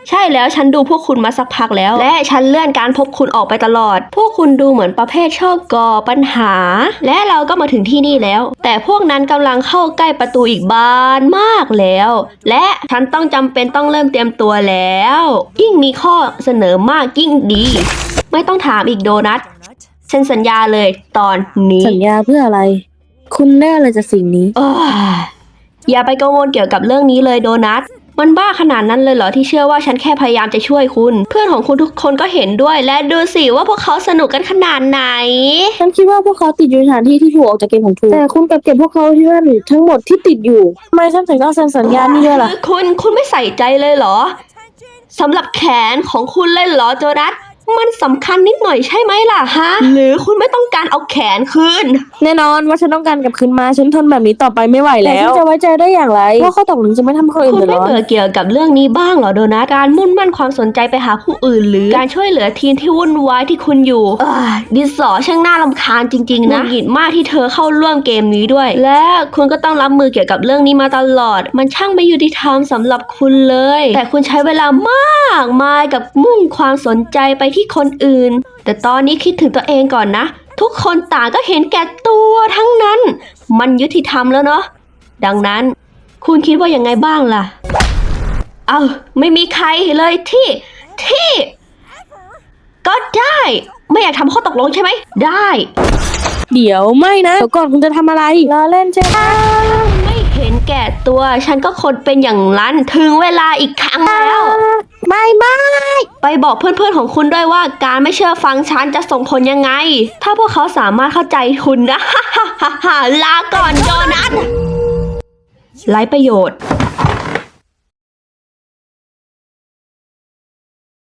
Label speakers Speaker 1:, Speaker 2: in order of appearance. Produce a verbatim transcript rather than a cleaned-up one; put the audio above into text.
Speaker 1: ใช่แล้วฉันดูพวกคุณมาสักพักแล้วและฉันเลื่อนการพบคุณออกไปตลอดพวกคุณดูเหมือนประเภทชอบก่อปัญหาและเราก็มาถึงที่นี่แล้วแต่พวกนั้นกำลังเข้าใกล้ประตูอีกบานมากแล้วและฉันต้องจำเป็นต้องเริ่มเตรียมตัวแล้วยิ่งมีข้อเสนอมากยิ่งดีไม่ต้องถามอีกโดนัทเซ็นสัญญาเลยตอนนี้
Speaker 2: สัญญาเพื่ออะไรคุณได้อะไรจากสิ่งนี้
Speaker 1: อย่าไปกังวลเกี่ยวกับเรื่องนี้เลยโดนัทมันบ้าขนาดนั้นเลยเหรอที่เชื่อว่าฉันแค่พยายามจะช่วยคุณเพื่อนของคุณทุกคนก็เห็นด้วยและดูสิว่าพวกเขาสนุกกันขนาดไหน
Speaker 2: ฉันคิดว่าพวกเขาติดอยู่ในสถานที่ที่ถูกออกจากเกมของทูแต่คุณกลับเก็บพวกเขาที่นั่นทั้งหมดที่ติดอยู่ทำไมฉันถึงต้องเซ็นสัญญานี้ด้วยล่ะ
Speaker 1: คุณคุณไม่ใส่ใจเลยเหรอสำหรับแขนของคุณเลยเหรอโจนัสมันสำคัญนิดหน่อยใช่ไหมล่ะฮะหรือคุณไม่ต้องการเอาแขนคืน
Speaker 2: แน่นอนว่าฉันต้องการกลับคืนมาฉันทนแบบนี้ต่อไปไม่ไหวแล้วแต่ฉันจะไว้ใจได้อย่างไรว่าเขาตกลงจะไม่ทำคนอื่น
Speaker 1: เดือดร้อนคุณไม่เบื่อเกี่ยวกับเรื่องนี้บ้างเหรอโดนัสการมุ่งมั่นความสนใจไปหาผู้อื่นหรือการช่วยเหลือทีมที่วุ่นวายที่คุณอยู่ดิสอช่างน่ารำคาญจริงๆนะหงิดมากที่เธอเข้าร่วมเกมนี้ด้วยและคุณก็ต้องรับมือเกี่ยวกับเรื่องนี้มาตลอดมันช่างไม่ยุติธรรมสำหรับคุณเลยแต่คุณใช้เวลามากมายกับมุ่งความสนใจไปที่คนอื่นแต่ตอนนี้คิดถึงตัวเองก่อนนะทุกคนต่างก็เห็นแก่ตัวทั้งนั้นมันยุติธรรมแล้วเนาะดังนั้นคุณคิดว่ายังไงบ้างล่ะเอาไม่มีใครเลยที่ที่ก็ได้ไม่อยากทำข้อตกลงใช่ไหมได้
Speaker 2: เดี๋ยวไม่นะเดี๋ยวก่อนคุณจะทำอะไรรอเล่นใช่ไหม
Speaker 1: ไม่เห็นแก่ตัวฉันก็คนเป็นอย่างนั้นถึงเวลาอีกครั้งแล้ว
Speaker 2: ไม่ไม่
Speaker 1: ไปบอกเพื่อนๆของคุณด้วยว่าการไม่เชื่อฟังฉันจะส่งผลยังไงถ้าพวกเขาสามารถเข้าใจคุณนะ ลาก่อนโจนัสไร้ประโยชน์